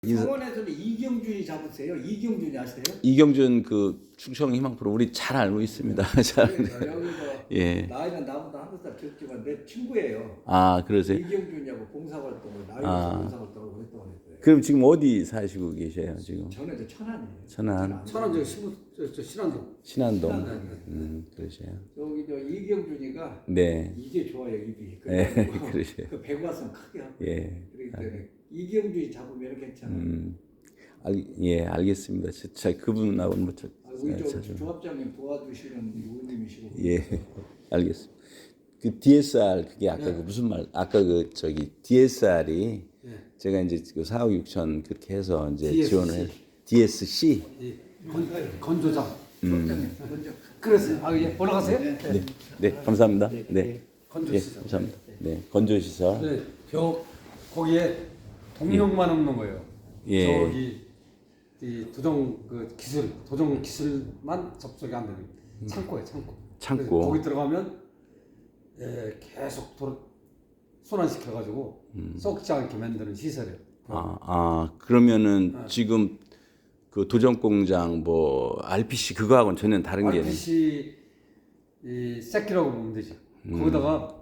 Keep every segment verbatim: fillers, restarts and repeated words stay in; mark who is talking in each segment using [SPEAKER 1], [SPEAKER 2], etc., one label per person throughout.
[SPEAKER 1] 인사-
[SPEAKER 2] 성원에서는 이경준이 잡으세요? 이경준이 아세요?
[SPEAKER 1] 이경준 그 충청 희망 프로 우리 잘 알고 있습니다. 잘.
[SPEAKER 2] 그래서 여기서
[SPEAKER 1] 예.
[SPEAKER 2] 나이는 나보다 한 살 적지만 내 친구예요.
[SPEAKER 1] 아 그러세요?
[SPEAKER 2] 이경준이하고 봉사활동을 나이에서
[SPEAKER 1] 아.
[SPEAKER 2] 봉사활동을 오랫동안 했어요.
[SPEAKER 1] 그럼 지금 어디 사시고 계세요 지금?
[SPEAKER 2] 저는 이제 천안이에요.
[SPEAKER 1] 천안.
[SPEAKER 3] 천안 저 신부 저, 저 신안동.
[SPEAKER 1] 신안동.
[SPEAKER 2] 신안동이요.
[SPEAKER 1] 음 그러세요.
[SPEAKER 2] 저기 저 이경준이가
[SPEAKER 1] 네.
[SPEAKER 2] 이게 좋아요 입이.
[SPEAKER 1] 네,
[SPEAKER 2] 그래가지고
[SPEAKER 1] 그러세요.
[SPEAKER 2] 그 배구 왔으면 크게 하고.
[SPEAKER 1] 예.
[SPEAKER 2] 그렇기 때문에 이경준이 잡으면 괜찮아요.
[SPEAKER 1] 음. 알, 예 알겠습니다. 저, 저 그분하고는 뭐 저,
[SPEAKER 2] 아, 우리 저
[SPEAKER 1] 자주.
[SPEAKER 2] 조합장님 도와주시는 의원님이시고.
[SPEAKER 1] 예 알겠습니다. 그 디에스알 그게 아까
[SPEAKER 3] 네.
[SPEAKER 1] 그 무슨 말 아까 그 저기 디에스알이
[SPEAKER 3] 예.
[SPEAKER 1] 제가 이제 그 사억 육천 그렇게 해서 이제
[SPEAKER 3] 디에스씨.
[SPEAKER 1] 지원을 해 디에스씨
[SPEAKER 3] 이 건, 건조장.
[SPEAKER 2] 조합장님 먼저.
[SPEAKER 3] 그래서 아 예. 올라가세요?
[SPEAKER 2] 네.
[SPEAKER 1] 네, 네 감사합니다. 네,
[SPEAKER 3] 건조
[SPEAKER 1] 예,
[SPEAKER 3] 시설.
[SPEAKER 1] 감사합니다. 네, 건조 시설.
[SPEAKER 3] 네. 벽 거기에 동력만 없는 거예요.
[SPEAKER 1] 예.
[SPEAKER 3] 저기 이 도정 그 기술 도정 기술만 접속이 안 되는 창고에 창고.
[SPEAKER 1] 창고.
[SPEAKER 3] 그래서 거기 들어가면 예, 계속 돌 순환시켜 가지고 썩지 않게 만드는 시설이에요.
[SPEAKER 1] 아, 아 그러면은
[SPEAKER 3] 네.
[SPEAKER 1] 지금 그 도전 공장 뭐 알피씨 그거하고는 전혀 다른 게
[SPEAKER 3] 알피씨 이 새끼라고 보면 되지. 거기다가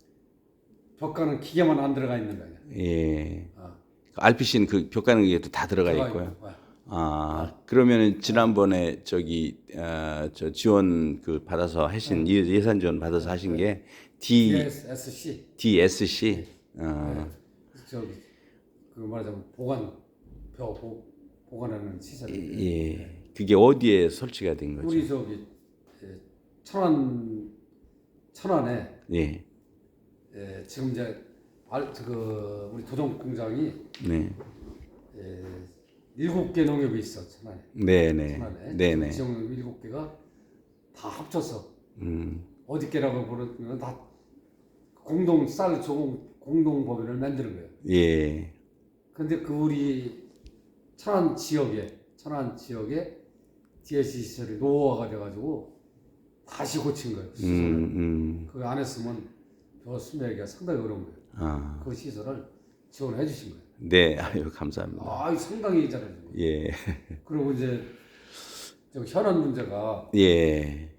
[SPEAKER 3] 벽가는 기계만 안 들어가 있는 거예요.
[SPEAKER 1] 예.
[SPEAKER 3] 아,
[SPEAKER 1] 알피씨는 그 벽가는 게 또 다 들어가
[SPEAKER 3] 들어가
[SPEAKER 1] 있고요.
[SPEAKER 3] 있고.
[SPEAKER 1] 아 그러면은 지난번에 저기 어, 저 지원 그 받아서 하신 예- 예산 지원 받아서 하신 게 D
[SPEAKER 3] 디에스씨.
[SPEAKER 1] 디에스씨. 어,
[SPEAKER 3] 저기 그 말하자면 보관 벽 보, 보관하는 시설.
[SPEAKER 1] 예. 그게 어디에 설치가 된 거죠?
[SPEAKER 3] 우리 저기 예, 천안 천안에
[SPEAKER 1] 예.
[SPEAKER 3] 예, 지금 이제 알, 그 우리 도정 공장이
[SPEAKER 1] 네.
[SPEAKER 3] 예, 일곱 개 농협이 있어 천안에.
[SPEAKER 1] 네네.
[SPEAKER 3] 천안에.
[SPEAKER 1] 네네.
[SPEAKER 3] 지역 일곱 개가 다 합쳐서
[SPEAKER 1] 음.
[SPEAKER 3] 어디 개라고 부르면 다 공동 쌀 조공 공동 법인을 만드는 거예요.
[SPEAKER 1] 예.
[SPEAKER 3] 근데 그 우리 천안 지역에 천안 지역에 디에스씨 시설이 노후화가 돼가지고 다시 고친 거예요.
[SPEAKER 1] 음,
[SPEAKER 3] 시설을.
[SPEAKER 1] 음.
[SPEAKER 3] 그 안 했으면 저 수매하기가 상당히 어려운 거예요.
[SPEAKER 1] 아.
[SPEAKER 3] 그 시설을 지원해 주신 거예요.
[SPEAKER 1] 네. 아유, 감사합니다.
[SPEAKER 3] 아, 상당히 잘해준 거예요.
[SPEAKER 1] 예.
[SPEAKER 3] 그리고 이제 저 현안 문제가
[SPEAKER 1] 예.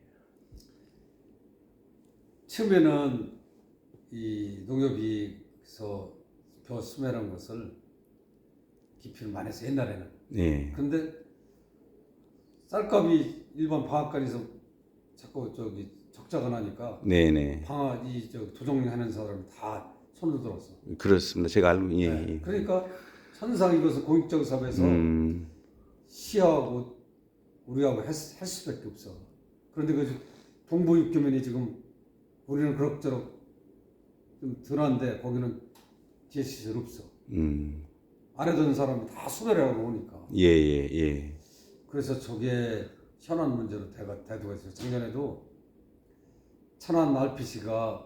[SPEAKER 3] 처음에는 이 농협이서 벼 수매라는 것을 기피를 많이 했어 옛날에는.
[SPEAKER 1] 예.
[SPEAKER 3] 근데 쌀값이 일반 방앗간에서 자꾸 저기 적자가 나니까
[SPEAKER 1] 네네.
[SPEAKER 3] 방아 이저 도정하는 사람이 다 손을 들었어.
[SPEAKER 1] 그렇습니다. 제가 알고, 예.
[SPEAKER 3] 네.
[SPEAKER 1] 예.
[SPEAKER 3] 그러니까 항상 이것은 공익적 사업에서
[SPEAKER 1] 음.
[SPEAKER 3] 시하고 우리하고 했, 할 수밖에 없어. 그런데 그 동부 육교면이 지금 우리는 그럭저럭 좀 덜한데 거기는 디에스씨 없어.
[SPEAKER 1] 음.
[SPEAKER 3] 안 해던 사람이 다 수배를 하고 오니까.
[SPEAKER 1] 예, 예, 예.
[SPEAKER 3] 그래서 저게 현안 문제로 대가 대두가 있어요. 작년에도 천안 알피씨가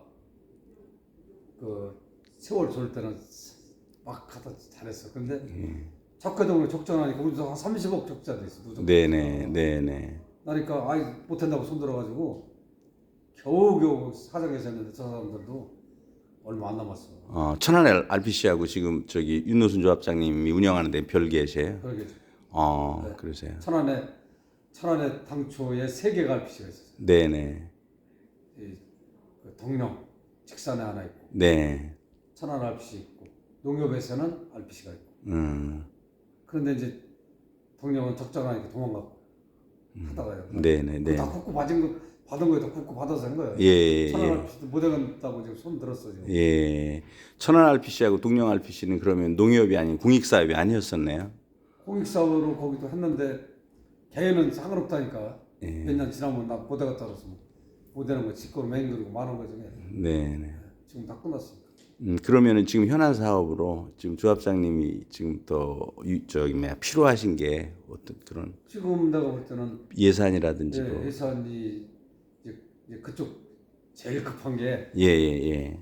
[SPEAKER 3] 그 세월 졸 때는 막 갖다 잘했어. 근데
[SPEAKER 1] 예.
[SPEAKER 3] 적개동으로 적정하니까 우리도 한 삼십억 적자돼 있어. 누적.
[SPEAKER 1] 네네. 네네.
[SPEAKER 3] 그러니까 아이 못한다고 손들어가지고 겨우겨우 사정해서 했는데 저 사람들도 얼마 안 남았어.
[SPEAKER 1] 어, 천안 알피씨하고 지금 저기 윤노순 조합장님이 운영하는데 별개세요?
[SPEAKER 3] 그러게
[SPEAKER 1] 어,
[SPEAKER 3] 네.
[SPEAKER 1] 그러세요.
[SPEAKER 3] 천안에 천안에 당초에 세 개가 알피씨가 있었어요.
[SPEAKER 1] 네네.
[SPEAKER 3] 이, 그 동령 직산에 하나 있고
[SPEAKER 1] 네.
[SPEAKER 3] 천안 알피씨 있고 농협에서는 알피씨가 있고.
[SPEAKER 1] 음.
[SPEAKER 3] 그런데 이제 동령은 적자나니까 도망가고
[SPEAKER 1] 음.
[SPEAKER 3] 하다가요.
[SPEAKER 1] 네네. 네.
[SPEAKER 3] 다 국고 받은 거 받은 거에 다 국고 받아서 한 거예요.
[SPEAKER 1] 예, 예,
[SPEAKER 3] 천안
[SPEAKER 1] 예.
[SPEAKER 3] 알피씨도 못 해간다고 지금 손 들었어 지금.
[SPEAKER 1] 예. 천안 알피씨하고 동령 알피씨는 그러면 농협이 아닌 공익사업이 아니었었네요.
[SPEAKER 3] 공익사업으로 거기도 했는데 개는 상관없다니까.
[SPEAKER 1] 예.
[SPEAKER 3] 몇 년 지나면 나 못 해갔다 그래서 못 되는 거 직고로 맹그리고 많은 거 중에
[SPEAKER 1] 네네.
[SPEAKER 3] 지금 다 끝났어.
[SPEAKER 1] 음, 그러면은 지금 현안 사업으로 지금 조합장님이 지금 더 유- 저기 뭐야 필요하신 게 어떤 그런
[SPEAKER 3] 지금 내가 볼 때는
[SPEAKER 1] 예산이라든지 뭐.
[SPEAKER 3] 예, 예산이 이제, 이제 그쪽 제일 급한 게
[SPEAKER 1] 예, 예, 예.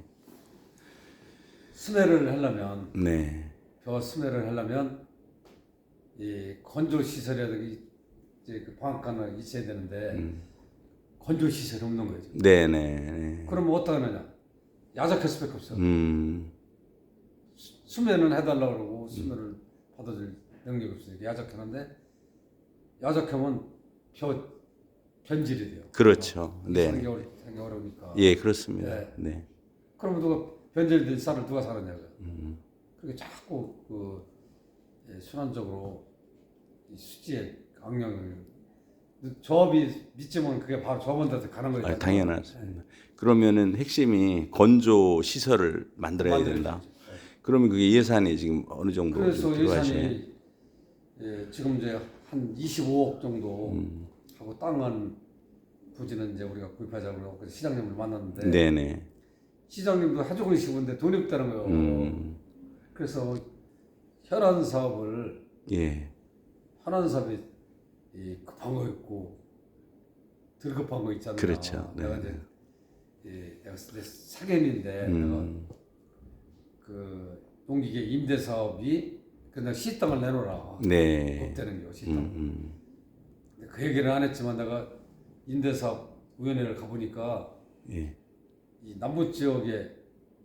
[SPEAKER 3] 수매를 하려면
[SPEAKER 1] 네.
[SPEAKER 3] 벼 수매를 하려면 이 건조 시설이라든지 이제 그 방앗간을 있어야 되는데
[SPEAKER 1] 음.
[SPEAKER 3] 건조 시설이 없는 거죠.
[SPEAKER 1] 네, 네, 네.
[SPEAKER 3] 그러면 어떻게 하느냐? 야작할 수밖에 없어.
[SPEAKER 1] 음.
[SPEAKER 3] 수매는 해달라고 그러고 수매를 받아줄 능력이 없으니까 야적하는데 야적하면 벼 변질이 돼요.
[SPEAKER 1] 그렇죠. 네.
[SPEAKER 3] 생겨올 생겨오니까.
[SPEAKER 1] 예, 그렇습니다.
[SPEAKER 3] 네.
[SPEAKER 1] 네.
[SPEAKER 3] 그러면 누가 변질된 쌀을 누가 사느냐고요.
[SPEAKER 1] 음.
[SPEAKER 3] 그게 자꾸 그 예, 순환적으로 이 수지의 악령을 조합이 믿지면 그게 바로 조합원들한테 가는 거예요.
[SPEAKER 1] 아, 당연하습니다. 그러면은 핵심이 건조 시설을 만들어야
[SPEAKER 3] 만들어야죠.
[SPEAKER 1] 된다. 그러면 그게 예산이 지금 어느 정도
[SPEAKER 3] 그래서
[SPEAKER 1] 들어가셔요?
[SPEAKER 3] 예산이 예, 지금 이제 한 이십오억 정도
[SPEAKER 1] 음.
[SPEAKER 3] 하고 땅은 부지는 이제 우리가 구입하자고 그래서 시장님을 만났는데
[SPEAKER 1] 네네.
[SPEAKER 3] 시장님도 하주고 싶은데 돈이 없다는 거예요.
[SPEAKER 1] 음.
[SPEAKER 3] 그래서 현안 사업을
[SPEAKER 1] 예.
[SPEAKER 3] 현안 사업이 이 급한 거 있고 덜 급한 거 있잖아요.
[SPEAKER 1] 그렇죠.
[SPEAKER 3] 내가
[SPEAKER 1] 네.
[SPEAKER 3] 이제 예, 내가 내 사견인데
[SPEAKER 1] 음.
[SPEAKER 3] 내가 그 농기계 임대 사업이 그냥 시 땅을 내놓으라.
[SPEAKER 1] 네.
[SPEAKER 3] 없다는 거 시
[SPEAKER 1] 음,
[SPEAKER 3] 땅.
[SPEAKER 1] 음.
[SPEAKER 3] 그 얘기는 안 했지만 내가 임대사업 위원회를 가보니까
[SPEAKER 1] 예.
[SPEAKER 3] 이 남부 지역에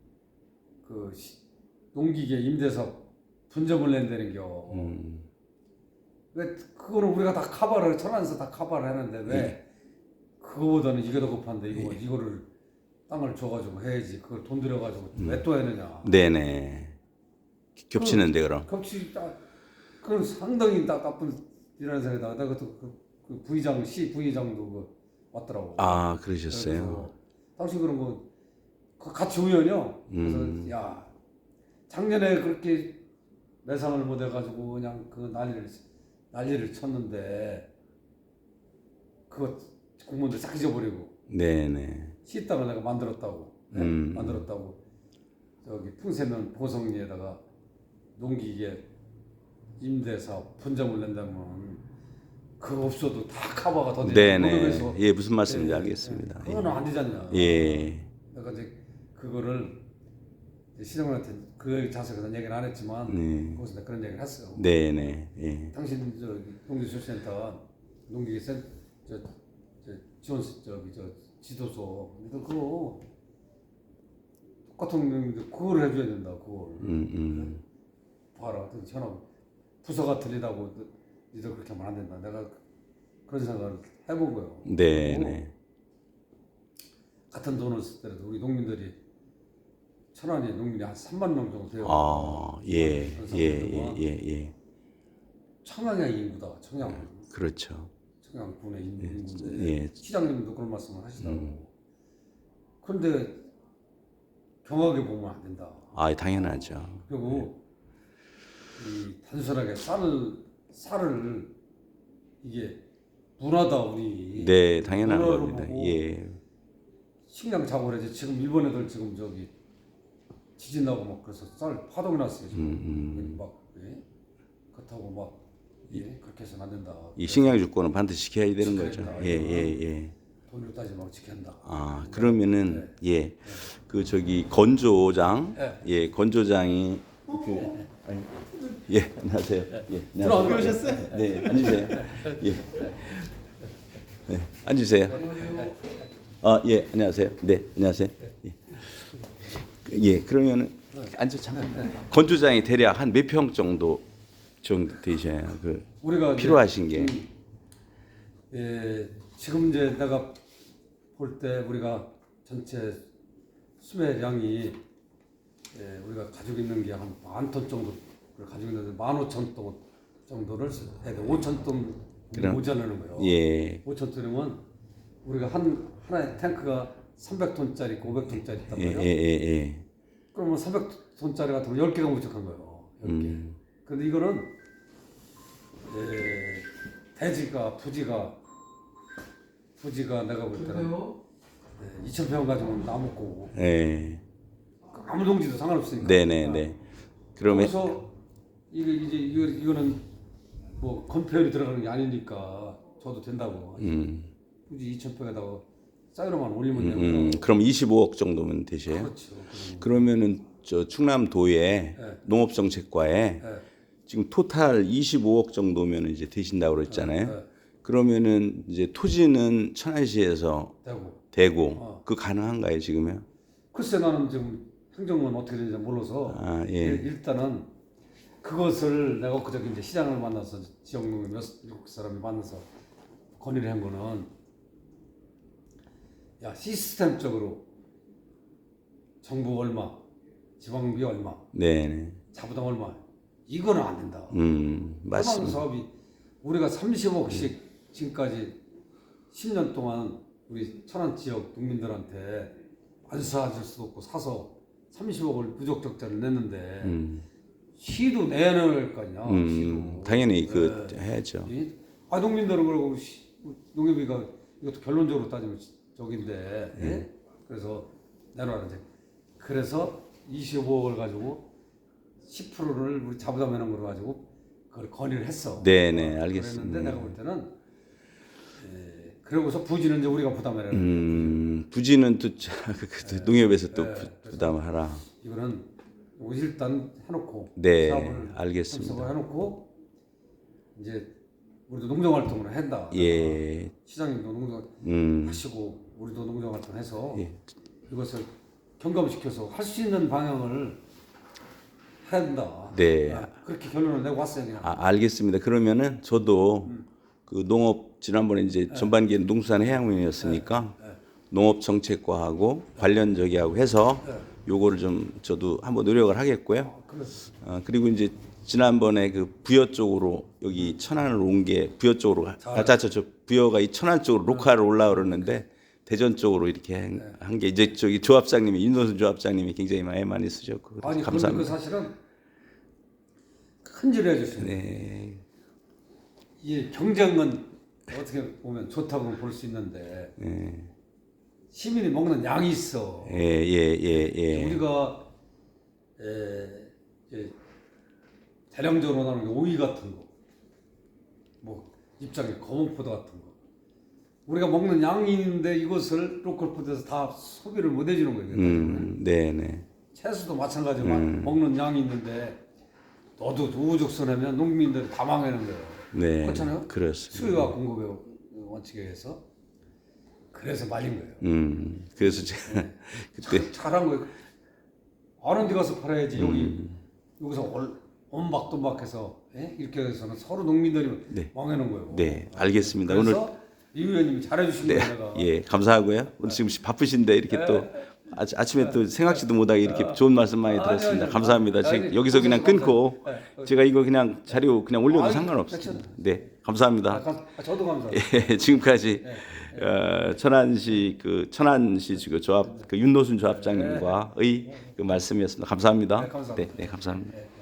[SPEAKER 3] 그 시- 농기계 임대사업 분점을 낸다는겨.
[SPEAKER 1] 음.
[SPEAKER 3] 왜 그거는 우리가 다 커버를 천안에서 다 커버를 했는데 왜
[SPEAKER 1] 예.
[SPEAKER 3] 그거보다는 이게 더 급한데 이거 이거를 땅을 줘가지고 해야지 그걸 돈 들여가지고 왜 또 했느냐.
[SPEAKER 1] 네네. 겹치는데 그럼.
[SPEAKER 3] 겹치 딱 그건 상당히 나, 나쁜 이라는 생각이다. 내가 그, 그, 그 부의장 시 부의장도 그 왔더라고.
[SPEAKER 1] 아, 그러셨어요.
[SPEAKER 3] 그래서 당신 그런 거 그 같이 우연이요. 그래서
[SPEAKER 1] 음.
[SPEAKER 3] 야 작년에 그렇게 매상을 못 해가지고 그냥 그 난리를 난리를 쳤는데 그거 공무원들 싹 잊어버리고
[SPEAKER 1] 네네.
[SPEAKER 3] 시 땅을 내가 만들었다고 네?
[SPEAKER 1] 음.
[SPEAKER 3] 만들었다고 저기 풍세면 보성리에다가 농기계 임대사업 분점을 낸다면 그거 없어도 다 커버가 더 되는
[SPEAKER 1] 네네. 예, 무슨 말씀인지
[SPEAKER 3] 예,
[SPEAKER 1] 알겠습니다.
[SPEAKER 3] 예. 그거는 안 되잖냐.
[SPEAKER 1] 예.
[SPEAKER 3] 내가 이제 그거를 이제 시장님한테 그 자세에서 얘기는 안 했지만
[SPEAKER 1] 네.
[SPEAKER 3] 거기서 내가 그런 얘기를 했어요.
[SPEAKER 1] 네네. 예.
[SPEAKER 3] 당신 저 농지조센터 농기계 센 저, 저 지원 저기 저 지도소 너 그거 똑같은 놈인데 그걸 해줘야 된다. 그걸
[SPEAKER 1] 음, 음.
[SPEAKER 3] 봐라. 현업 부서가 틀리다고 니들 그렇게 하면 안 된다. 내가 그런 생각을 해본 거예요.
[SPEAKER 1] 네네.
[SPEAKER 3] 같은 돈을 쓸 때라도 우리 농민들이 천안에 농민이 한 삼만 명 정도 돼요.
[SPEAKER 1] 아, 예, 예, 예, 예, 예.
[SPEAKER 3] 청양의 인구다. 청양.
[SPEAKER 1] 그렇죠.
[SPEAKER 3] 청양군의 인구인데
[SPEAKER 1] 예.
[SPEAKER 3] 시장님도 그런 말씀을 하시더라고.
[SPEAKER 1] 음.
[SPEAKER 3] 그런데 경하게 보면 안 된다.
[SPEAKER 1] 아, 당연하죠.
[SPEAKER 3] 그리고 이 단순하게 쌀을 쌀을 이게 문화다 우리.
[SPEAKER 1] 네, 당연한
[SPEAKER 3] 문화로
[SPEAKER 1] 겁니다.
[SPEAKER 3] 보고
[SPEAKER 1] 예.
[SPEAKER 3] 식량 작업을 해야지. 지금 일본 애들 지금 저기 지진 나고 막 그래서 쌀 파동이 났어요. 지금
[SPEAKER 1] 음,
[SPEAKER 3] 막 예? 그렇다고 막 예? 그렇게 해서는 안 된다.
[SPEAKER 1] 이 식량 주권은 반드시 지켜야 되는
[SPEAKER 3] 지켜야
[SPEAKER 1] 거죠.
[SPEAKER 3] 된다.
[SPEAKER 1] 예, 예, 예.
[SPEAKER 3] 돈으로 따지면 지킨다.
[SPEAKER 1] 아, 그러면은 예. 그 저기 건조장,
[SPEAKER 3] 네.
[SPEAKER 1] 예, 건조장이 그 아니, 예, 안녕하세요. 예,
[SPEAKER 2] 들어안 오셨어요?
[SPEAKER 1] 네, 앉으세요. 예. 네, 앉으세요. 아, 예, 안녕하세요. 네, 안녕하세요. 예. 예, 그러면은 앉아 잠깐. 건조장이 대략 한 몇 평 정도 정도 되셔야 그
[SPEAKER 3] 우리가 이제
[SPEAKER 1] 필요하신 게.
[SPEAKER 3] 예, 지금 이제 내가 볼 때 우리가 전체 수매량이 예, 우리가 가지고 있는 게 한 만 톤 정도를 가지고 있는데 만 오천 톤 정도를 해야 돼. 오천 톤
[SPEAKER 1] 그럼-
[SPEAKER 3] 모자라는 거예요.
[SPEAKER 1] 예.
[SPEAKER 3] 오천 톤이면 우리가 한 하나의 탱크가 삼백 톤짜리 있고 오백 톤짜리 있단
[SPEAKER 1] 예, 예,
[SPEAKER 3] 말이에요.
[SPEAKER 1] 예, 예.
[SPEAKER 3] 그러면 삼백 톤짜리 같은 거 열 개가 부족한 거예요. 열 개.
[SPEAKER 1] 음.
[SPEAKER 3] 근데 이거는 예, 대지가 부지가 부지가 내가 볼 때는 예, 이천 평 가지고는 나무 고
[SPEAKER 1] 예.
[SPEAKER 3] 아무 동지도 상관없으니까.
[SPEAKER 1] 네, 네, 네. 그러면
[SPEAKER 3] 그래서 이게 이제 이거 이거는 뭐 건폐율이 들어가는 게 아니니까 줘도 된다고.
[SPEAKER 1] 음.
[SPEAKER 3] 굳이 이천 평에다가 싸이로만 올리면
[SPEAKER 1] 음,
[SPEAKER 3] 되고.
[SPEAKER 1] 음, 그럼 이십오억 정도면 되세요?
[SPEAKER 3] 그렇죠.
[SPEAKER 1] 그러면은 저 충남도의
[SPEAKER 3] 네.
[SPEAKER 1] 농업정책과에
[SPEAKER 3] 네.
[SPEAKER 1] 지금 토탈 이십오억 정도면 이제 되신다고 그랬잖아요.
[SPEAKER 3] 네.
[SPEAKER 1] 그러면은 이제 토지는 천안시에서
[SPEAKER 3] 되고.
[SPEAKER 1] 되고
[SPEAKER 3] 어.
[SPEAKER 1] 그 가능한가요 글쎄
[SPEAKER 3] 글쎄 나는 지금 행정은 어떻게 되는지 몰라서
[SPEAKER 1] 아, 예.
[SPEAKER 3] 일- 일단은 그것을 내가 그저께 이제 시장을 만나서 지역농협 몇 일곱 사람이 만나서 건의를 한 거는 야 시스템적으로 정부 얼마, 지방비 얼마,
[SPEAKER 1] 네.
[SPEAKER 3] 자부담 얼마 이거는 안 된다.
[SPEAKER 1] 음,
[SPEAKER 3] 해방
[SPEAKER 1] 맞습니다.
[SPEAKER 3] 사업이 우리가 삼십억씩 지금까지 십 년 동안 우리 천안 지역 국민들한테 안 사줄 수도 없고 사서 삼십억을 부족 적자를 냈는데
[SPEAKER 1] 음,
[SPEAKER 3] 시도 내야 될 거 아니야.
[SPEAKER 1] 음,
[SPEAKER 3] 시도.
[SPEAKER 1] 당연히 그
[SPEAKER 3] 네.
[SPEAKER 1] 해야죠.
[SPEAKER 3] 이- 아 농민들은 그러고 시- 농협이가 이것도 결론적으로 따지면 저긴데 예? 그래서 내놓았는데 그래서 이십오억을 가지고 십 퍼센트를 우리 자부담해놓은 걸 가지고 그걸 건의를 했어.
[SPEAKER 1] 네네, 알겠습니다.
[SPEAKER 3] 그랬는데 내가 볼 때는 에, 그러고서 부지는 이제 우리가 부담해라.
[SPEAKER 1] 음, 부지는 또 자- 그 농협에서 또
[SPEAKER 3] 네,
[SPEAKER 1] 부-
[SPEAKER 3] 그래서
[SPEAKER 1] 부담하라.
[SPEAKER 3] 이거는 일단 해놓고
[SPEAKER 1] 네,
[SPEAKER 3] 사업을
[SPEAKER 1] 알겠습니다.
[SPEAKER 3] 참석을 해놓고 이제 우리도 농정 활동을 한다.
[SPEAKER 1] 예,
[SPEAKER 3] 시장님도 농정
[SPEAKER 1] 음,
[SPEAKER 3] 하시고 우리도 농정 활동해서
[SPEAKER 1] 예.
[SPEAKER 3] 이것을 경감시켜서 할 수 있는 방향을 해야 된다.
[SPEAKER 1] 네.
[SPEAKER 3] 아, 그렇게 결론을 내고 왔어요. 그냥.
[SPEAKER 1] 아, 알겠습니다. 그러면은 저도 그 농업 지난번에 이제 전반기에 농수산해양위원회였으니까 농업 정책과하고 관련 저기하고 해서 요거를 좀 저도 한번 노력을 하겠고요.
[SPEAKER 3] 그래서
[SPEAKER 1] 어, 그리고 이제 지난번에 그 부여 쪽으로 여기 천안을 온 게 부여 쪽으로 아자 저, 저 부여가 이 천안 쪽으로 로카를 올라오는데 대전 쪽으로 이렇게 한 게 이제 저기 조합장님이 윤노순 조합장님이 굉장히 많이 많이 쓰셨고
[SPEAKER 3] 아니 그런데 그
[SPEAKER 1] 감사합니다.
[SPEAKER 3] 사실은 큰절을 해주시네.
[SPEAKER 1] 네.
[SPEAKER 3] 이 경쟁은 어떻게 보면 좋다고 볼 수 있는데
[SPEAKER 1] 네.
[SPEAKER 3] 시민이 먹는 양이 있어.
[SPEAKER 1] 예, 예, 예, 예.
[SPEAKER 3] 우리가 에, 이제 대량적으로 나오는 게 오이 같은 거, 뭐 입장에 검은포도 같은 거. 우리가 먹는 양이 있는데 이것을 로컬푸드에서 다 소비를 못 해주는 거예요.
[SPEAKER 1] 음, 네, 네.
[SPEAKER 3] 채소도 마찬가지로 먹는 양이 있는데 너도 우후죽순하면 농민들이 다 망하는 거예요.
[SPEAKER 1] 네.
[SPEAKER 3] 그렇잖아요.
[SPEAKER 1] 그렇습니다.
[SPEAKER 3] 수요와 공급의 원칙에 의해서 그래서 말린 거예요.
[SPEAKER 1] 음, 그래서 제가 그때
[SPEAKER 3] 참 잘한 거예요. 아는 데 가서 팔아야지 여기
[SPEAKER 1] 음.
[SPEAKER 3] 여기서 올, 온박돈박해서 예? 이렇게 해서는 서로 농민들이
[SPEAKER 1] 네.
[SPEAKER 3] 망하는 거예요.
[SPEAKER 1] 네, 알겠습니다.
[SPEAKER 3] 그래서
[SPEAKER 1] 오늘
[SPEAKER 3] 이 의원님이 잘해주신
[SPEAKER 1] 네,
[SPEAKER 3] 거예요. 내가.
[SPEAKER 1] 예, 감사하고요. 오늘 지금 바쁘신데 이렇게 또 아, 아침에 또 생각지도 못하게 이렇게 좋은 말씀 많이
[SPEAKER 3] 아니,
[SPEAKER 1] 들었습니다.
[SPEAKER 3] 아니,
[SPEAKER 1] 감사합니다.
[SPEAKER 3] 아니,
[SPEAKER 1] 지금
[SPEAKER 3] 아니,
[SPEAKER 1] 여기서 그냥 끊고
[SPEAKER 3] 네.
[SPEAKER 1] 제가 이거 그냥 자료 그냥 올려도
[SPEAKER 3] 아니,
[SPEAKER 1] 상관없습니다. 네,
[SPEAKER 3] 아,
[SPEAKER 1] 감사합니다.
[SPEAKER 3] 감- 아, 저도 감사합니다.
[SPEAKER 1] 예, 지금까지 어, 천안시 그 천안시 그 조합 그 윤노순 조합장님과의 그 말씀이었습니다. 감사합니다.
[SPEAKER 3] 네, 감사합니다.
[SPEAKER 1] 네, 네, 감사합니다.
[SPEAKER 3] 네.